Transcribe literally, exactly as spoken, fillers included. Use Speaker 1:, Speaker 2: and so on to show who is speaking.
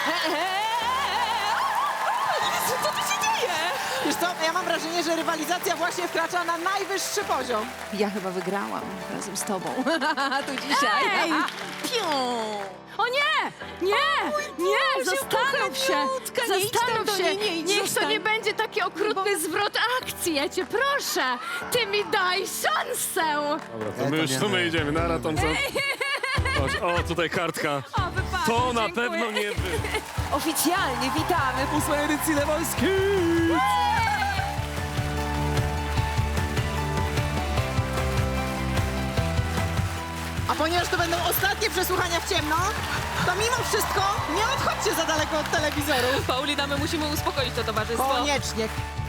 Speaker 1: Jezu, co tu się dzieje?
Speaker 2: Wiesz co, ja mam wrażenie, że rywalizacja właśnie wkracza na najwyższy poziom.
Speaker 1: Ja chyba wygrałam razem z tobą. Tu dzisiaj.
Speaker 3: Ej!
Speaker 1: Piu!
Speaker 3: O nie! Nie! Nie!
Speaker 1: Boże,
Speaker 3: Zastanów się!
Speaker 1: kochaniutka, nie idź tam
Speaker 3: Zastanów
Speaker 1: do
Speaker 3: się!
Speaker 1: niej, nie idź,
Speaker 3: Niech to
Speaker 1: zostań.
Speaker 3: nie będzie taki okrutny zwrot akcji, ja cię proszę! Ty mi daj szansę!
Speaker 4: Dobra, to my już tu my idziemy. Nara, Thompson. Chodź, o, tutaj kartka.
Speaker 3: O, wypadek,
Speaker 4: To na
Speaker 3: dziękuję.
Speaker 4: pewno nie wy.
Speaker 1: Oficjalnie witamy w ósmej edycji The Voice Kids!
Speaker 2: A ponieważ to będą ostatnie przesłuchania w ciemno, to mimo wszystko nie odchodźcie za daleko od telewizorów.
Speaker 1: Paulina, my musimy uspokoić to towarzystwo.
Speaker 2: Koniecznie.